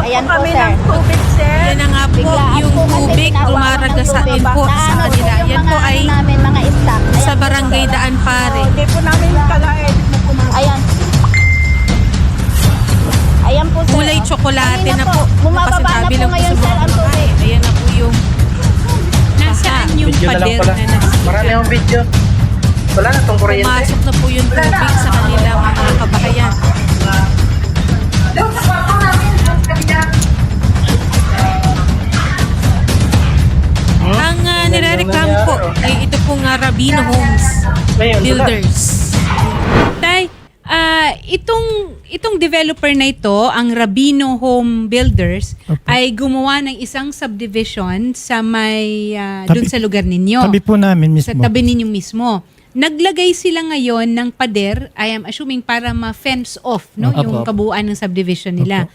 Ayan po, kami sir. ng tubig, sir. Yan na nga po, Biglaan yung po kasi tubig tinawagan dumaragasa ng din po tubig. sa Ano kanila. yung Yan po mga ay ano namin, mga stock. Ayan sa po, barangay sir. Daan Pare. Hindi po namin kalain. Ayan. Ayan po, sir. Kulay tsokolate Kanina na po. Bumababa na Kasasabi po lang po ngayon, sa sir, mga ang tubig. kumakain. Ayan na po yung nasaan yung Video na lang pader pala. na nasa. Marami akong video. Wala na itong kuryente. Pumasok na po yung tubig sa kanilang mga kabahayan. Ang nirereklamo po ay ito pong Rabino Homes Builders. Tay, itong developer na ito, ang Rabino Home Builders, ay gumawa ng isang subdivision sa may dun sa lugar ninyo. Tabi po namin mismo. Sa tabi ninyo mismo. Naglagay sila ngayon ng pader, I am assuming para ma-fence off no, Opo. yung kabuuan ng subdivision nila.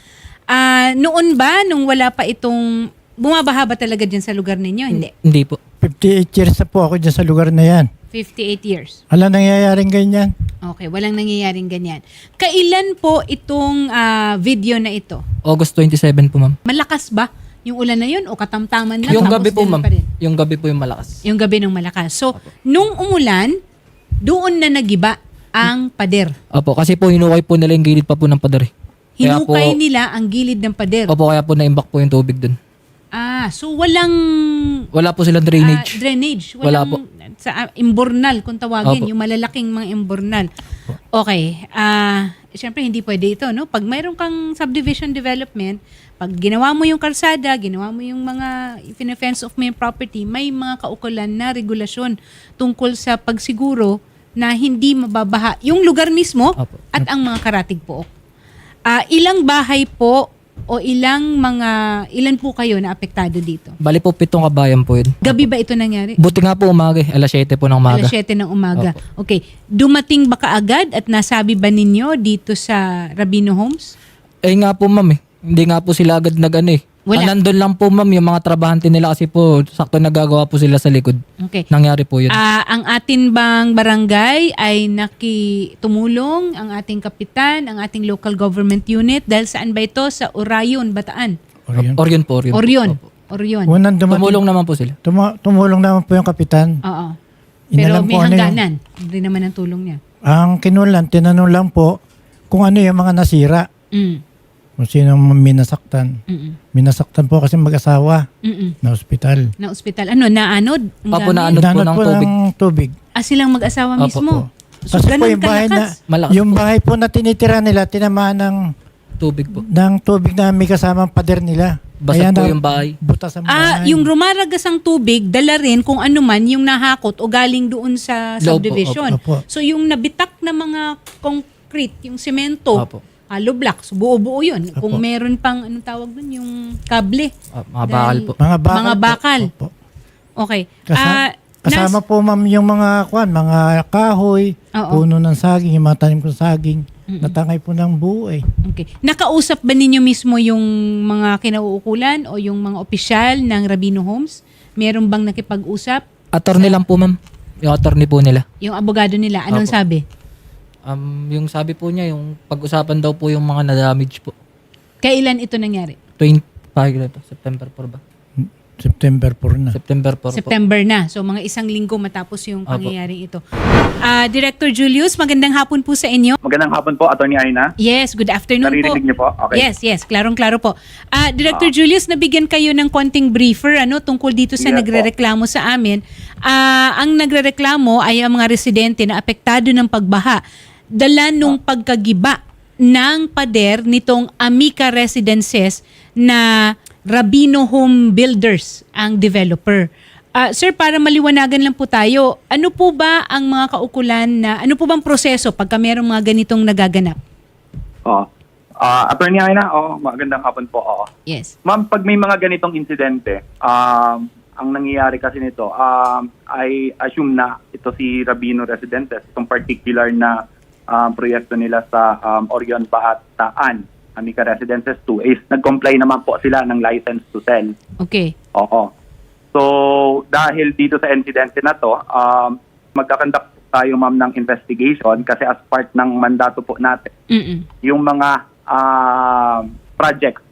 Noon ba, nung wala pa itong, bumabaha ba talaga dyan sa lugar ninyo? Hindi. Hindi po. 58 years na po ako dyan sa lugar na yan. 58 years. Wala nangyayaring ganyan. Okay, walang nangyayaring ganyan. Kailan po itong video na ito? August 27 po, ma'am. Malakas ba yung ulan na yun o katamtaman lang? Yung Tapos gabi po, ganun ma'am. pa rin? Yung gabi po yung malakas. Yung gabi ng malakas. So, nung umulan, doon na nagiba ang pader. Opo, kasi po hinukay po nila yung gilid pa po ng pader. Kaya po, Hinukay nila ang gilid ng pader. opo, kaya po naimbak po yung tubig dun. So walang Wala po silang drainage. drainage. Wala Walang sa imbornal kung tawagin, Opo. yung malalaking mga imbornal. Okay. Siyempre hindi pwede ito, no? Pag mayroon kang subdivision development, pag ginawa mo yung kalsada, ginawa mo yung mga fence of may property, may mga kaukulan na regulasyon tungkol sa pagsiguro na hindi mababaha yung lugar mismo Opo. at ang mga karatig pook. Ilang bahay po o ilan po kayo na apektado dito? Bali po 7 kabayan po yun. Gabi ba ito nangyari? Buti nga po umaga, alas 7 po ng umaga. Alas 7 ng umaga. Okay. Dumating ba kaagad at nasabi ba ninyo dito sa Rabino Homes? Eh nga po, ma'am eh. Hindi nga po sila agad nag-ano eh. Wala. Nandun lang po, ma'am, yung mga trabahante nila kasi po sakto nagagawa po sila sa likod. Okay. Nangyari po yun. Ang atin bang barangay ay nakitumulong, ang ating kapitan, ang ating local government unit, dahil saan ba ito? Sa Orayon, Bataan. Orion. Orion po, Orion. Orion. Opo. Orion. Unang dumating, Tumulong naman po sila. tumulong naman po yung kapitan. Oo. Pero Inalam may po ano yung- hangganan. Hindi naman ang tulong niya. Ang kinulan, tinanong lang po kung ano yung mga nasira. Mm. Kung sino minasaktan. Mm-mm. Minasaktan po kasi mag-asawa Mm-mm. na ospital. Na ospital. Ano? Naanod? Ang Opo, gamit? naanod po Nanot ng po tubig. ng tubig. Silang mag-asawa Opo, mismo. So, Kasi po ganun yung bahay kalakas. Malakas yung po. bahay po na tinitira nila, tinamaan Tubig po. ng tubig na may kasamang pader nila. Basag po yung bahay. Butas ang bahay. Yung rumaragas ang tubig, dala rin kung ano man yung nahakot o galing doon sa Loob po, subdivision. opo. So yung nabitak na mga concrete, yung semento, Opo. hollow blocks, buo-buo yun. Opo. Kung meron pang, anong tawag doon, yung kable. Mga bakal po. Mga bakal. Mga bakal. Po. Opo. Okay. Kasama po ma'am yung mga kahoy, Oo. puno ng saging, yung mga tanim kong saging, natangay po ng buo eh. Okay. Nakausap ba ninyo mismo yung mga kinauukulan o yung mga opisyal ng Rabino Homes? Meron bang nakipag-usap? Attorney lang po, ma'am. Yung attorney po nila. Yung abogado nila, anong Opo. sabi? Yung sabi po niya, yung pag-usapan daw po yung mga na-damage po. Kailan ito nangyari? 20, September 4 ba? September 4 na. September 4 po. September na. So mga isang linggo matapos yung Opo. pangyayaring ito. Director Julius, magandang hapon po sa inyo. Magandang hapon po, Atty. Aina. Yes, good afternoon po. Naririnig niyo po? Okay. Yes, klarong-klaro po. Director Julius, nabigyan kayo ng konting briefer tungkol dito sa Yes po. nagrereklamo sa amin. Ang nagrereklamo ay ang mga residente na apektado ng pagbaha. Dala nung pagkagiba ng pader nitong Amica Residences na Rabino Home Builders ang developer. Sir, para maliwanagan lang po tayo, ano po ba ang mga kaukulan na, ano po bang proseso pagka mayroong mga ganitong nagaganap? Atty. Aina, magandang hapon po. Yes. Ma'am, pag may mga ganitong insidente, ang nangyayari kasi nito, I assume na ito si Rabino Residences, itong particular na proyekto nila sa Orion Bataan, Amica Residences 2, is nag-comply naman po sila ng license to sell. Okay. Oo. So, dahil dito sa insidente na to, magkakandak tayo ma'am ng investigation kasi as part ng mandato po natin, Mm-mm. yung mga projects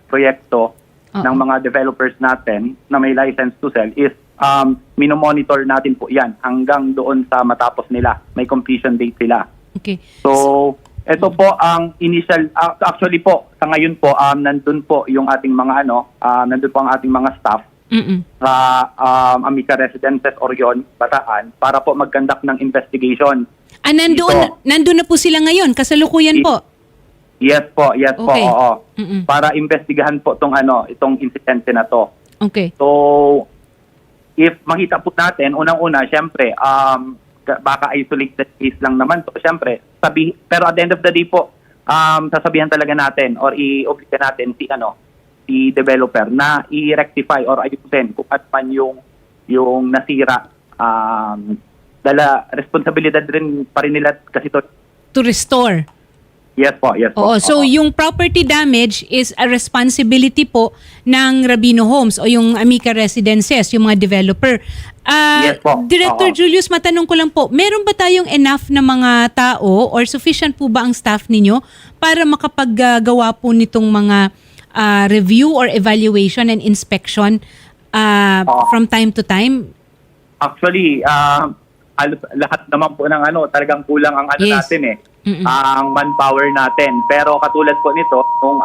proyekto Oo. ng mga developers natin na may license to sell is minomonitor natin po yan hanggang doon sa matapos nila. May completion date sila. Okay. So, ito po ang initial, actually po, sa ngayon po, nandun po yung ating mga nandun po ang ating mga staff Mm-mm. sa Amica Residences Orion, Bataan, para po mag-conduct ng investigation. Nandun na po sila ngayon, kasalukuyan po. Yes po, Okay. oo. Mm-mm. Para investigahan po itong insidente na to. Okay. So, if makita po natin, unang-una, syempre, baka isolated case lang naman to. Syempre, pero at the end of the day po, sasabihan talaga natin or i-obliga natin si developer na i-rectify or ayusin kung at man yung nasira. Responsibilidad rin pa rin nila kasi to. To restore. Yes po. Oo, so Oo. yung property damage is a responsibility po ng Rabino Homes o yung Amica Residences, yung mga developer. Yes po. Director Oo. Julius, matanong ko lang po, meron ba tayong enough na mga tao or sufficient po ba ang staff ninyo para makapaggawa po nitong mga review or evaluation and inspection from time to time? Actually, lahat naman po ng talagang kulang ang Yes. natin eh. Mm-mm. Ang manpower natin. Pero katulad po nito, nung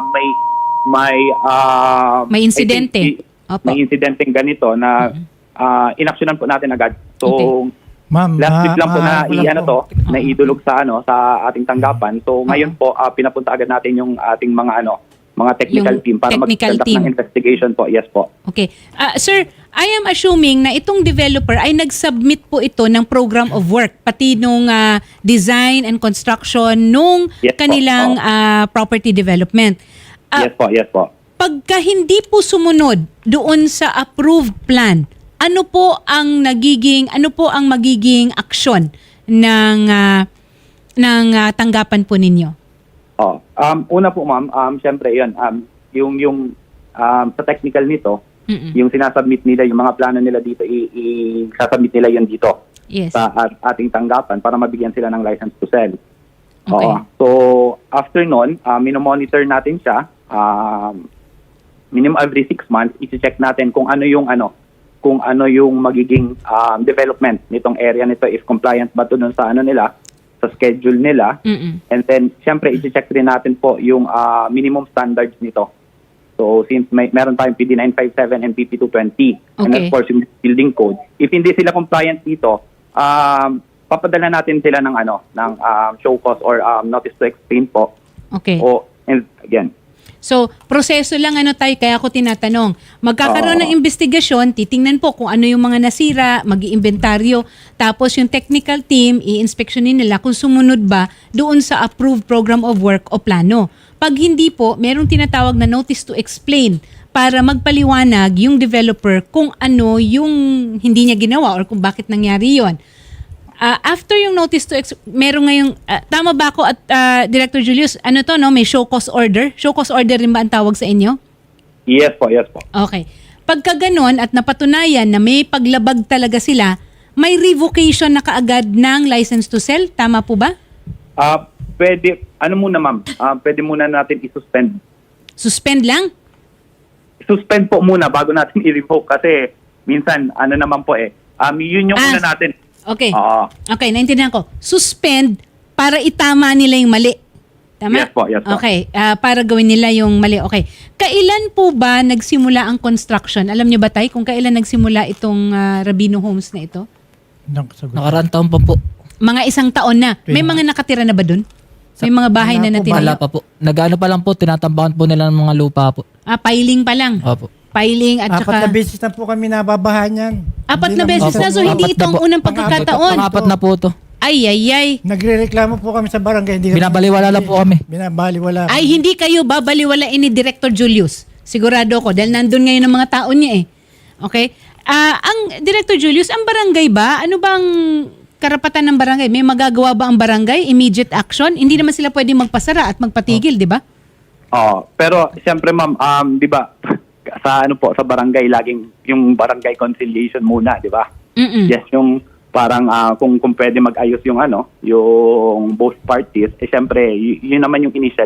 May insidente. I think, Opo. may insidenteng ganito na inaksyonan po natin agad. So, Okay. Ma'am, last week lang po na wala po. na idulog sa ating tanggapan. So, ngayon po pinapunta agad natin yung ating mga technical Yung team para technical mag-conduct team. ng investigation po. Yes po. Okay. Sir, I am assuming na itong developer ay nag-submit po ito ng program of work, pati nung design and construction nung Yes po. kanilang property development. Yes po. Pagka hindi po sumunod doon sa approved plan, ano po ang magiging aksyon ng tanggapan po ninyo? Una po ma'am, syempre yun, yung sa technical nito, Mm-mm. yung sinasubmit nila, yung mga plano nila dito, i-submit nila yun dito Yes. sa ating tanggapan para mabigyan sila ng license to sell. Okay. So, after nun, minomonitor natin siya, minimum every 6 months, i-check natin kung ano yung magiging development nitong area nito, if compliant ba to dun sa nila, sa schedule nila. Mm-mm. And then, syempre, i-check rin natin po yung minimum standards nito. So, since meron tayong PD 957 and PP 220, and Okay. of course, yung building code, if hindi sila compliant dito, papadala natin sila ng show cause or notice to explain po. Okay. And again, So, proseso lang tayo, kaya ako tinatanong. Magkakaroon ng investigasyon, titingnan po kung ano yung mga nasira, mag-iimbentaryo, tapos yung technical team, i-inspeksyonin nila kung sumunod ba doon sa approved program of work o plano. Pag hindi po, merong tinatawag na notice to explain para magpaliwanag yung developer kung ano yung hindi niya ginawa or kung bakit nangyari yon. After yung notice to meron ngayong tama ba ako at Director Julius, may show cause order? Show cause order rin ba ang tawag sa inyo? yes po. Okay. Pagka ganon at napatunayan na may paglabag talaga sila, may revocation na kaagad ng license to sell, tama po ba? Pwede, muna ma'am, pwede muna natin i-suspend. Suspend lang? Suspend po muna bago natin i-revoke kasi minsan, naman po yun yung una natin. Okay. Oo. Okay, naintindihan ko. Suspend para itama nila yung mali. Tama? Yes po, yes po. Okay, para gawin nila yung mali. Okay. Kailan po ba nagsimula ang construction? Alam niyo ba tayo kung kailan nagsimula itong Rabino Homes na ito? Nakaraang taon pa po. Mga 1 taon na. May mga nakatira na ba dun? May mga bahay na Wala natinayo? pa po. Nag-ano pa lang po, tinatambakan po nila ng mga lupa po. Piling pa lang. Opo. Piling at 4 saka... na beses na po kami nababahan yan. 4 na beses na, so hindi ito ang unang pagkakataon. Pang-apat na po to. Ay. Nagre-reklamo po kami sa barangay. Hindi Binabaliwala lang po kami. Binabaliwala. Ay, hindi kayo babaliwalain ni Director Julius. Sigurado ko, dahil nandun ngayon ang mga tao niya eh. Okay? Ang Director Julius, ang barangay ba? Ano bang karapatan ng barangay? May magagawa ba ang barangay? Immediate action? Hindi naman sila pwedeng magpasara at magpatigil, di ba? Pero siyempre ma'am, di ba, sa barangay, laging yung barangay conciliation muna, di ba? Mm-mm. Yes, yung parang kung pwede mag-ayos yung both parties, siyempre, yun naman yung initially.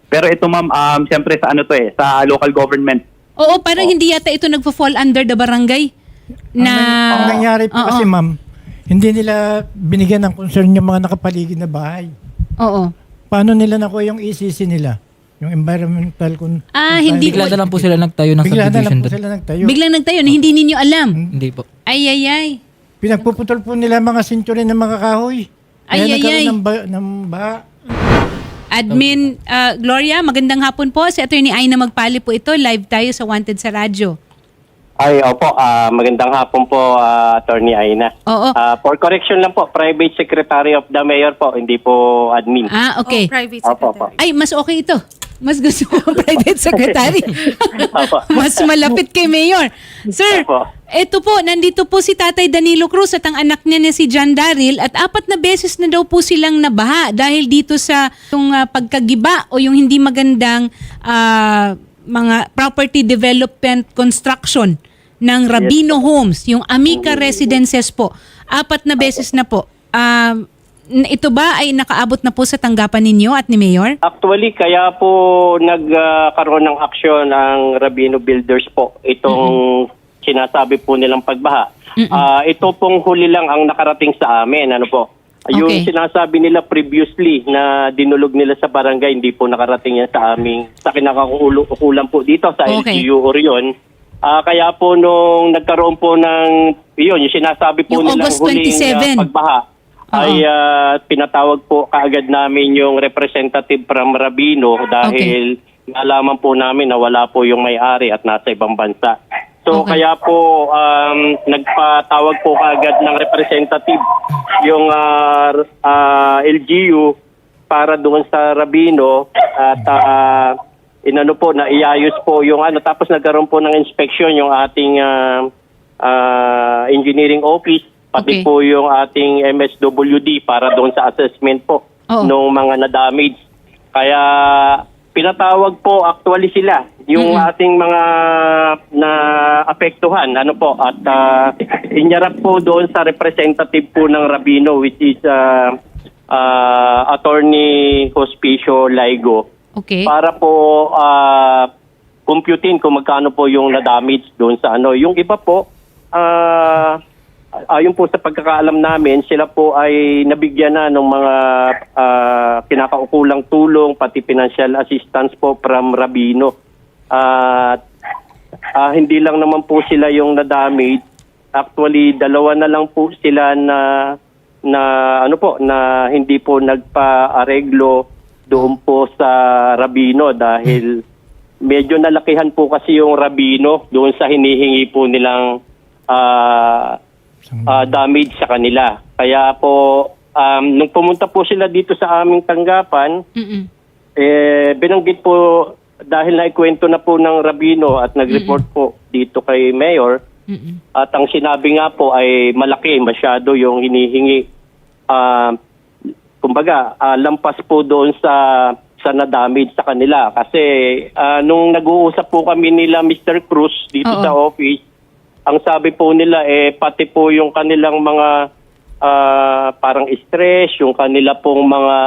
Pero ito ma'am, siyempre sa ano to sa local government. Oo, parang hindi yata ito nagpo-fall under the barangay na... Ang nangyari po Oo. kasi ma'am, hindi nila binigyan ng concern yung mga nakapaligid na bahay. Oo. Paano nila nakuha yung ECC nila? Yung environmental Hindi Bigla na lang po sila nagtayo ng Bigla na lang subdivision po doon. sila nagtayo. Biglang nagtayo na hindi ninyo alam. Hindi po. Ay. Pinagpuputol po nila mga sentury ng mga kahoy. Kaya nagkaroon ng baha. Admin Gloria, magandang hapon po. Si Attorney Aina Magpali po ito. Live tayo sa Wanted sa Radyo. Ay, opo. Magandang hapon po, Attorney Aina. Oo. For correction lang po, Private Secretary of the Mayor po, hindi po admin. Okay. Private Opo, secretary. Ay, mas okay ito. Mas gusto ko private secretary. Opo. Mas malapit kay Mayor. Sir, Opo. eto po, nandito po si Tatay Danilo Cruz at ang anak niya na si John Daryl at 4 na beses na daw po silang nabaha dahil dito sa yung pagkagiba o yung hindi magandang mga property development construction ng Rabino Homes, yung Amica Residences po. 4 na beses na po. Ito ba ay nakaabot na po sa tanggapan ninyo at ni Mayor? Actually, kaya po nagkaroon ng aksyon ang Rabino Builders po. Itong sinasabi po nilang pagbaha. Ito pong huli lang ang nakarating sa amin. Ano po? Yung sinasabi nila previously na dinulog nila sa barangay, hindi po nakarating yan sa aming, sa kinakakulan po dito sa LGU Orion. Kaya po nung nagkaroon po ng, yung sinasabi po Yung nilang August huling 27. pagbaha, ay pinatawag po kaagad namin yung representative from Rabino dahil nalaman po namin na wala po yung may-ari at nasa ibang bansa. So kaya po nagpatawag po kaagad ng representative yung LGU para doon sa Rabino at inano po na iayos po yung tapos nagkaroon po ng inspection yung ating engineering office pati po yung ating MSWD para doon sa assessment po ng mga na-damage. Kaya pinatawag po actually sila yung ating mga na-apektuhan at inyarap po doon sa representative po ng Rabino which is Attorney Hospicio Laigo para po computin kung magkano po yung na-damage doon sa yung iba po ayon po sa pagkakaalam namin, sila po ay nabigyan na ng mga kinakaukulang tulong, pati financial assistance po from Rabino. Hindi lang naman po sila yung na-damage. Actually, 2 na lang po sila na hindi po nagpa-areglo doon po sa Rabino dahil medyo nalakihan po kasi yung Rabino doon sa hinihingi po nilang damage sa kanila. Kaya po, nung pumunta po sila dito sa aming tanggapan, binanggit po, dahil naikwento na po ng Rabino at nag-report po dito kay Mayor, at ang sinabi nga po ay malaki, masyado yung hinihingi. Kumbaga, lampas po doon sa na-damage sa kanila. Kasi nung nag-uusap po kami nila Mr. Cruz dito sa office, ang sabi po nila pati po yung kanilang mga parang stress, yung kanila pong mga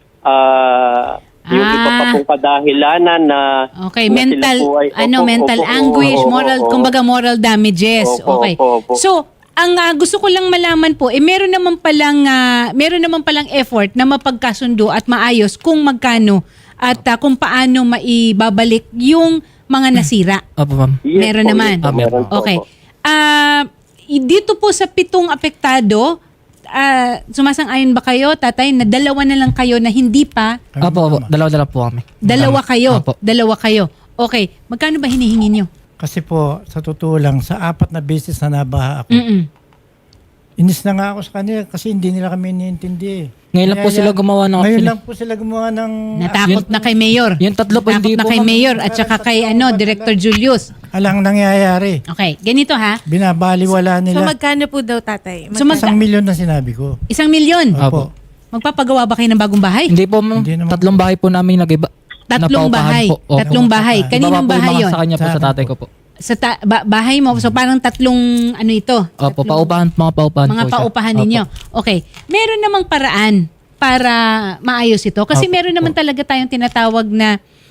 yung iba pa pong kadahilanan na mental mental anguish, moral damages. So, ang gusto ko lang malaman po meron naman palang effort na mapagkasundo at maayos kung magkano at kung paano maibabalik yung mga nasira. Opo, ma'am. Meron naman. Meron po. Okay. Dito po sa 7 apektado, sumasang-ayon ba kayo, tatay, na 2 na lang kayo na hindi pa? Opo. 2 po kami. 2 kayo? Opo. 2 kayo. Okay. Magkano ba hinihingi nyo? Kasi po, sa totoo lang, sa 4 na beses na nabaha ako, inis na nga ako sa kanila kasi hindi nila kami iniintindi. Ngayon lang po sila gumawa ng Ngayon action. lang po sila gumawa ng... Natakot na kay Mayor. Yung 3 po hindi Natakot na po, kay ma'am. Mayor at saka kay Director Julius. Alang nangyayari. Okay. Ganito ha. Binabaliwala So nila. magkano po daw, tatay? So, 1 milyon na sinabi ko. 1 milyon. Opo. Magpapagawa ba kayo ng bagong bahay? Hindi po, ma'am. Hindi naman 3 bahay po namin nag-iba. 3 napaupahan bahay. po. Opo. 3 bahay. Kaninong Baba po yung bahay mga yun? sa kanya po, sa tatay ko po. Sa bahay mo. So parang 3 ito. Opo, mga paupahan Mga po siya. paupahan Opo. ninyo. Okay. Meron namang paraan para maayos ito. Kasi meron naman talaga tayong tinatawag na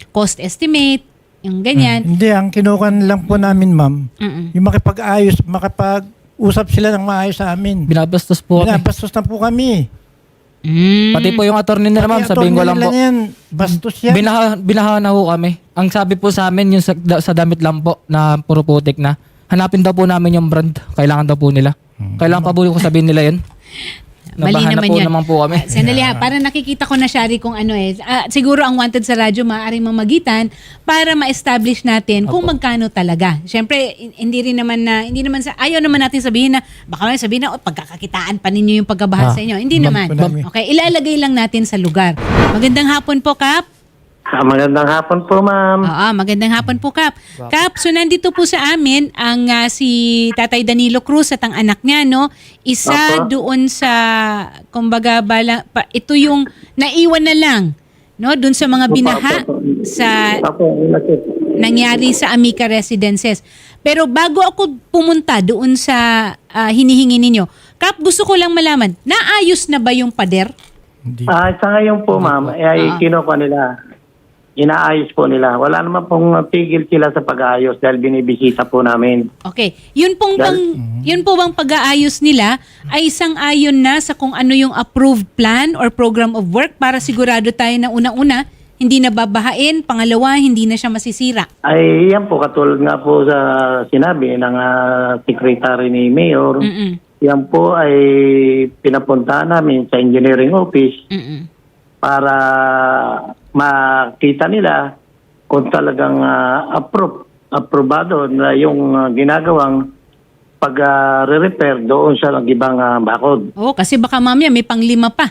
cost estimate, yung ganyan. Hindi, ang kinukan lang po namin, ma'am, Mm-mm. yung makipag-usap sila ng maayos sa amin. Binabastos po kami. Binabastos na po kami. Mm. Pati po yung attorney nila, ma'am, Pati sabihin ko lang attorney po. nila yan, bastos yan. Binaha na ho kami. Ang sabi po sa amin, yung sa damit lang po na puro putik na, hanapin daw po namin yung brand. Kailangan daw po nila. Kailangan pa po ko sabihin nila yun. Mali Nabahan naman na po yun. naman po kami. Sandali ha, parang nakikita ko na, Shari, kung ano siguro ang wanted sa radyo maaaring mamagitan para ma-establish natin kung magkano talaga. Siyempre, hindi naman ayaw naman natin sabihin na, baka may sabihin na, pagkakakitaan pa ninyo yung pagkabahan sa inyo. Hindi naman. Ma'am. Okay, ilalagay lang natin sa lugar. Magandang hapon po, Kap. Magandang hapon po, ma'am. Oo, magandang hapon po, Kap. Kap, so nandito po sa amin ang si Tatay Danilo Cruz at ang anak niya, no? Isa Opo. doon sa, kumbaga, ito yung naiwan na lang, no? Doon sa mga binaha sa nangyari sa Amica Residences. Pero bago ako pumunta doon sa hinihingi ninyo, Kap, gusto ko lang malaman, naayos na ba yung pader? Hindi. Sa ngayon po, ma'am, ay kinuha nila. Inaayos po nila. Wala naman pong tigil sila sa pag-aayos dahil binibisita po namin. Okay. Yun po bang pag-aayos nila ay sang-ayon na sa kung ano yung approved plan or program of work para sigurado tayo na unang-una hindi na babahain, pangalawa hindi na siya masisira. Ay, yan po, katulad nga po sa sinabi ng secretary ni Mayor, Mm-mm. yan po ay pinapuntahan namin sa engineering office Mm-mm. para makita nila kung talagang aprobado na yung ginagawang pag-repair doon sa ibang bakod. Oh, kasi baka mamaya may panglima pa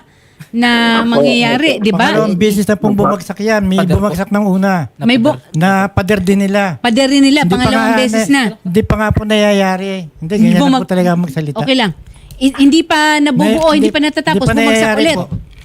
na mangyayari, di ba? Pangalawang beses na pong bumagsak yan. May bumagsak ng una. May Na pader din nila. pader rin nila, Hindi pa pangalawang nga- beses na. Hindi pa nga po nangyayari. Hindi, Hindi ganyan po na po talaga magsalita. Okay lang. Hindi pa nabubuo, hindi pa natatapos, hindi pa bumagsak nangyayari ulit. po.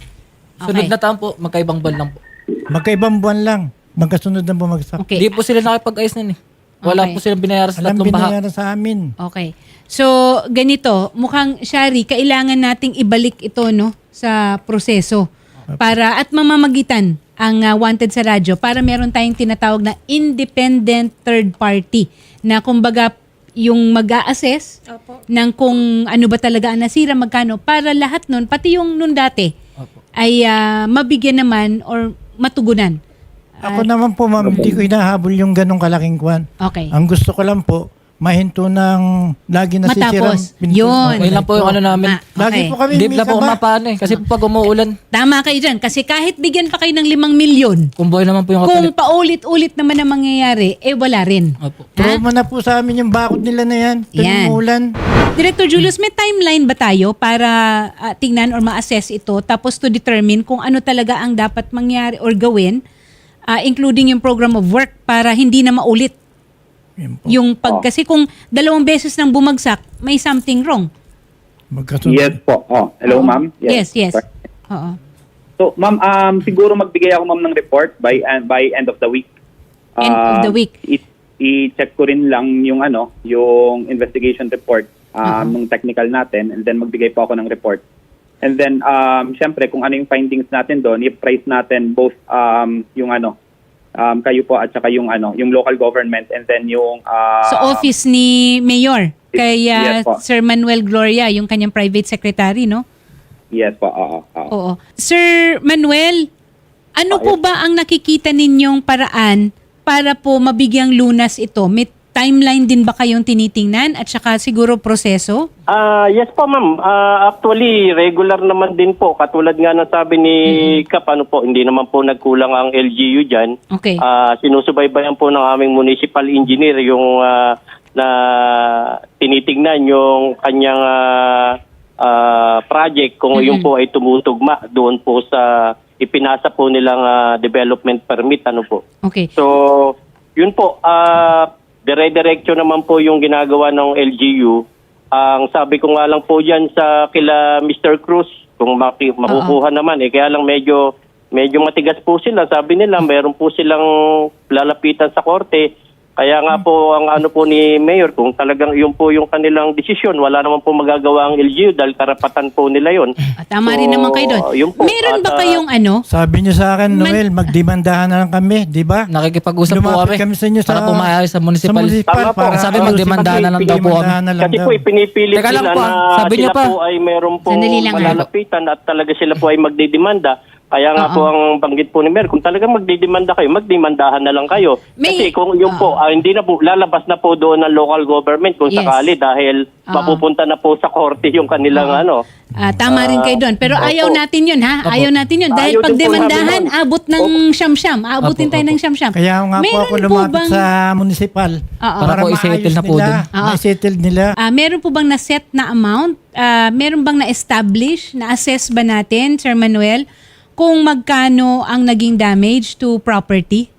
Sunod na taon po, magkaibang buwan lang po. Magkaibang buwan lang. Magkasunod na bumagsak. Okay. Hindi po sila nakipag-ayos nun eh. Wala Okay. po silang binayaran sa Alam tatlong baha. binayaran sa amin. Okay. So, ganito, mukhang, Shari, kailangan nating ibalik ito, no, sa proseso para at mamamagitan ang wanted sa radyo para meron tayong tinatawag na independent third party na kumbaga yung mag-a-assess ng kung ano ba talaga ang nasira, magkano, para lahat nun, pati yung nun dati, ay mabigyan naman or matugunan. Ako naman po, ma'am, hindi ko hinahabol yung ganong kalaking kwan. Okay. Ang gusto ko lang po, mahinto ng lagi nasisirang Matapos. pinto. Yun. Okay lang po yung ano namin. Lagi po kami Hindi na po minsan ba? mapaano eh. Kasi po pag umuulan, Tama kayo dyan. Kasi kahit bigyan pa kayo ng 5 milyon, kumboy naman po yung kung katulik. paulit-ulit naman ang mangyayari, wala rin. Opo. Trauma na po sa amin yung bakod nila na yan. Yan. Tumulan. Director Julius, may timeline ba tayo para tingnan or ma-assess ito tapos to determine kung ano talaga ang dapat mangyari or gawin, including yung program of work para hindi na maulit Yan po. yung kasi kung 2 beses nang bumagsak, may something wrong. Magkasunod. Yes po. Hello, ma'am. Yes. Oo. So, ma'am, siguro magbigay ako, ma'am, ng report by end of the week. End of the week. I-check ko rin lang yung yung investigation report ng technical natin, and then magbigay po ako ng report. And then syempre kung ano yung findings natin doon, i-price natin both yung kayo po at saka yung local government, and then yung Sa office ni Mayor, kay Yes po. Sir Manuel Gloria, yung kanyang private secretary, no? Yes po. Oo. Sir Manuel, ano po ba ang nakikita ninyong paraan para po mabigyang lunas ito? May timeline din ba kayong tinitingnan at saka siguro proseso? Yes po, ma'am. Actually, regular naman din po. Katulad nga ng sabi ni Kap, hindi naman po nagkulang ang LGU dyan. Okay. Sinusubaybayan po ng aming municipal engineer yung na tinitingnan yung kanyang project kung yun po ay tumutugma doon po sa ipinasa po nilang development permit. Okay. So, yun po, dire-diretso naman po yung ginagawa ng LGU. Ang sabi ko nga lang po dyan sa kila Mr. Cruz, kung makukuha naman, kaya lang medyo matigas po sila. Sabi nila, mayroon po silang lalapitan sa korte Kaya nga po ang ano po ni Mayor, kung talagang yun po yung kanilang desisyon, wala naman po magagawa ang LGU dahil karapatan po nila yun. Tama rin So, naman kayo doon. yun po. Meron ba At, kayong ano? Sabi niyo sa akin, Noel, magdemandahan na lang kami, di ba? Nakikipag-usap po Lumapit kami. kami sa inyo para pumayag sa municipal. Tama po. Sabi, magdemandahan na lang daw po kami. Magdemandahan na lang Kasi daw. po ipinipilit Teka lang nila po, na sabi niyo sila pa. po ay meron po Sandali lang, malalapitan at talaga sila po ay magdidemanda. Kaya nga po ang banggit po ni Mayor, kung talagang magdidemanda kayo, magdemandahan na lang kayo. Kasi kung yun po, hindi na po, lalabas na po doon ng local government kung Yes. sakali dahil mapupunta na po sa korte yung kanilang ano. Tama rin kayo doon. Pero ayaw opo. natin yun, ha? Ayaw natin yun. Dahil Ayaw pag din po demandahan, namin, abot ng siyam-siyam. Abutin tayo ng siyam-siyam. Kaya nga po Meron ako lumapit bang- sa municipal Para po i-settle na po nila. Oo. Ma-settle nila. Meron po bang na-set na amount? Meron bang na-establish, na-assess ba natin, Sir Manuel, kung magkano ang naging damage to property?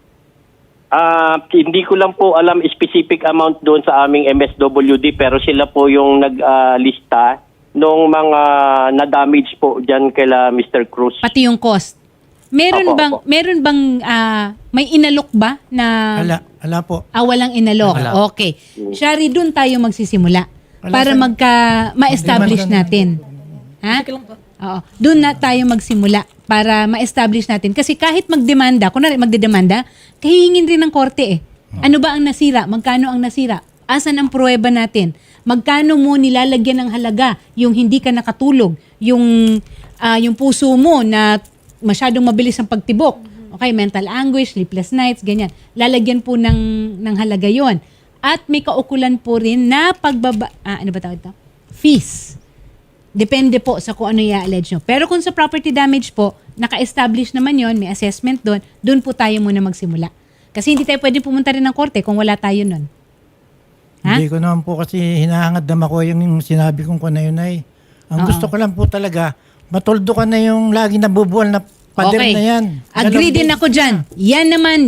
Hindi ko lang po alam specific amount doon sa aming MSWD pero sila po yung naglista nung mga na-damage po dyan kila Mr. Cruz. Pati yung cost. Meron Opo, opo. may inalok ba na Ala po. walang inalok? Wala. Okay. Shari, doon tayo magsisimula Wala, para sir. ma-establish Hindi man natin. Ha? Oo. Doon na tayo magsimula para ma-establish natin. Kasi kahit magdemanda, kunwari magdedemanda, kahingin rin ng korte eh. Ano ba ang nasira? Magkano ang nasira? Asan ang pruweba natin? Magkano mo nilalagyan ng halaga yung hindi ka nakatulog? Yung puso mo na masyadong mabilis ang pagtibok. Okay, mental anguish, sleepless nights, ganyan. Lalagyan po ng halaga yon. At may kaukulan po rin na ano ba tawag ito? Fees. Depende po sa kung ano i-allege nyo. Pero kung sa property damage po, naka-establish naman yon, may assessment doon po tayo muna magsimula. Kasi hindi tayo pwede pumunta rin ng korte kung wala tayo nun. Ha? Hindi ko naman po kasi hinahangad naman ko yung sinabi kong na yun ay. Ang gusto ko lang po talaga, matuldo ka na yung lagi nabubuwal na pader na yan. Agree din ako dyan. Yan naman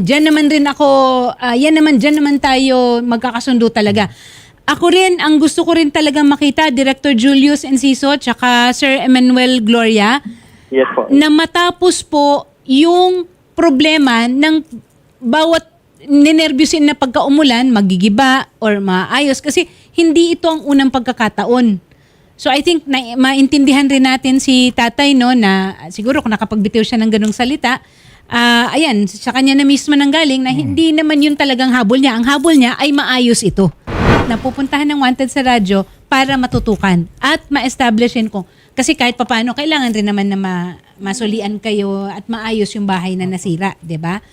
tayo magkakasundo talaga. Ako rin, ang gusto ko rin talagang makita, Director Julius Enciso, tsaka Sir Emmanuel Gloria, Yes po. na matapos po yung problema ng bawat ninervyusin na pagkaumulan, magigiba or maayos. Kasi hindi ito ang unang pagkakataon. So I think maintindihan rin natin si tatay, no, na siguro kung nakapagbitiw siya ng ganong salita, ayan, sa kanya na mismo nanggaling na hindi naman yun talagang habol niya. Ang habol niya ay maayos ito. Napupuntahan ng wanted sa radyo para matutukan at ma-establishin ko. Kasi kahit papaano, kailangan rin naman na masulian kayo at maayos yung bahay na nasira, di ba?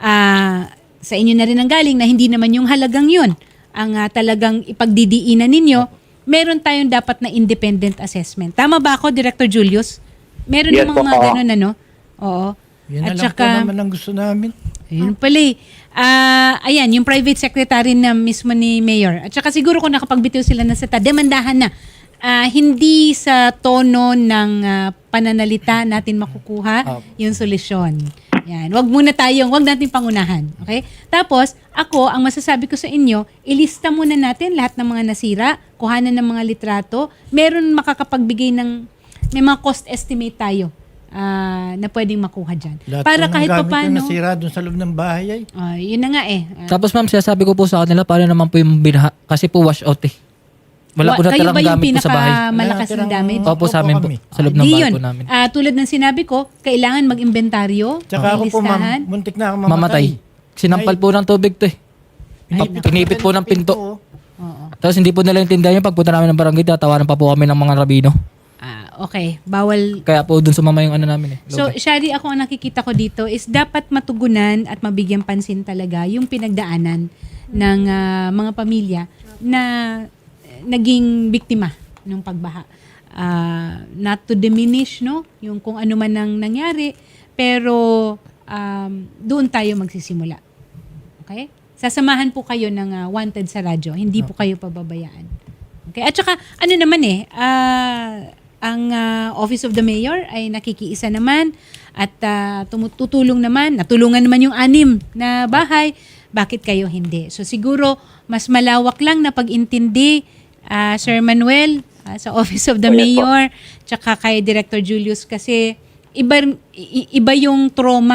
Sa inyo na rin ang galing na hindi naman yung halagang yun ang talagang ipagdidiinan ninyo. Meron tayong dapat na independent assessment. Tama ba ako, Director Julius? Meron Yes, namang po. mga ganun, ano? Oo. Yan na At lang po saka, naman ang gusto namin. ayun pala eh. Ayan, yung private secretary na mismo ni Mayor. At saka siguro kung nakapagbitiw sila na sa demandahan na. Hindi sa tono ng pananalita natin makukuha yung solusyon. Yan. Wag natin pangunahan. Okay? Tapos, ako, ang masasabi ko sa inyo, ilista muna natin lahat ng mga nasira, kuhanan ng mga litrato, meron makakapagbigay may mga cost estimate tayo na pwedeng makuha dyan. Lahat Para po ng kahit gamit papaano, yung nasira doon sa loob ng bahay ay. yun na nga eh. Tapos ma'am, sinasabi ko po sa kanila, paano naman po yung binaha? Kasi po wash out eh. Wala po na kayo ba talagang yung gamit po sa bahay. pinakamalakas na damage? Opo, sa amin po. kami. Sa loob ng Di bahay yun. po namin. Tulad ng sinabi ko, kailangan mag-inventaryo, Tsaka ako po ilistahan. ma'am, muntik na ako Mamatay. Sinampal po ng tubig to eh. Pinipit po ng pinto. Tapos hindi po nila intindihan yung pagpunta namin ng barangay, tatawanan pa po kami ng mga rabino. Okay, bawal. Kaya po dun sumama yung ano namin eh. So, Shari, ako ang nakikita ko dito is dapat matugunan at mabigyan pansin talaga yung pinagdaanan ng mga pamilya na naging biktima ng pagbaha. Not to diminish, no, yung kung ano man ang nangyari, pero doon tayo magsisimula. Okay? Sasamahan po kayo ng wanted sa radyo. Hindi po kayo pababayaan. Okay? At saka, ano naman ang Office of the Mayor ay nakikiisa naman at tutulong naman, natulungan naman yung 6 na bahay. Bakit kayo hindi? So siguro, mas malawak lang na pag-intindi, Sir Manuel, sa Office of the Mayor, tsaka kay Director Julius kasi iba yung trauma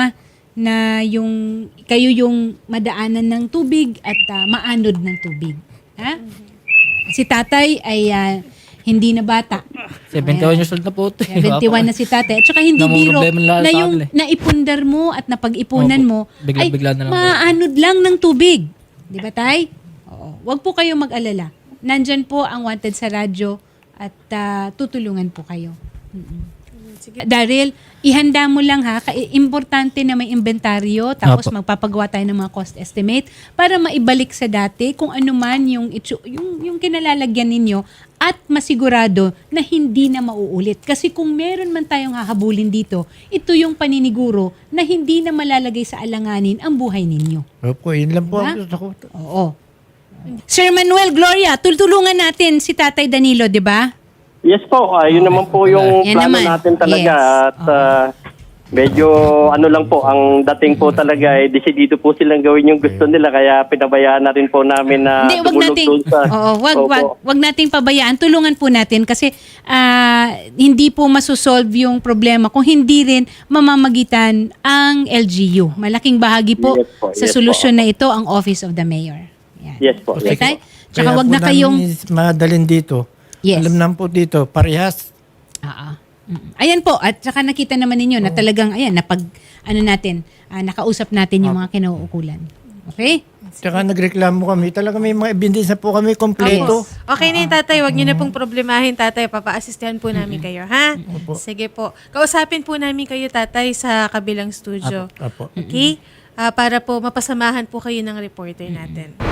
na kayo yung madaanan ng tubig at maanod ng tubig. Ha? Si tatay ay hindi na bata. 71 years old na po ito. 71 na si tatay. At saka hindi Namang biro problema lang na sa yung akin eh. naipundar mo at napag-ipunan mo Bigla-bigla na lang po. maanod lang ng tubig. Di ba, tay? Oo. Huwag po kayo mag-alala. Nandyan po ang Wanted sa radyo at tutulungan po kayo. Daryl, ihanda mo lang ha. Importante na may inventaryo tapos Apo. magpapagawa tayo ng mga cost estimate para maibalik sa dati kung ano man yung kinalalagyan ninyo at masigurado na hindi na mauulit. Kasi kung meron man tayong hahabulin dito, ito yung paniniguro na hindi na malalagay sa alanganin ang buhay ninyo. Opo, yun lang po Diba? ang gusto ko. Oo. Sir Manuel, Gloria, tulungan natin si Tatay Danilo, di ba? Yes po, yun naman po yung Yan plano naman. natin talaga. Yes. At medyo ano lang po, ang dating po talaga ay desidido po silang gawin yung gusto nila. Kaya pinabayaan na rin po namin na Hindi, wag tumulog nating doon sa... Opo. wag nating pabayaan. Tulungan po natin kasi hindi po masosolve yung problema kung hindi rin mamamagitan ang LGU. Malaking bahagi po Yes po, sa yes solusyon na ito ang Office of the Mayor. Yan. Yes po. Okay, Yes tay? po. Tsaka Kaya wag po na kayong namin madalin dito. Yes. Alam naman po dito, parehas. Ayan po, at saka nakita naman ninyo na talagang nakausap natin yung mga kinauukulan. Okay? Tsaka nagreklamo kami. Talaga may mga ebidensya po kami kompleto. Okay na yung tatay, wag niyo na pong problemahin tatay, papa-assistahan po namin kayo, ha? Sige po. Kausapin po namin kayo tatay sa kabilang studio. Apo. Okay? Para po mapasamahan po kayo ng reporter natin.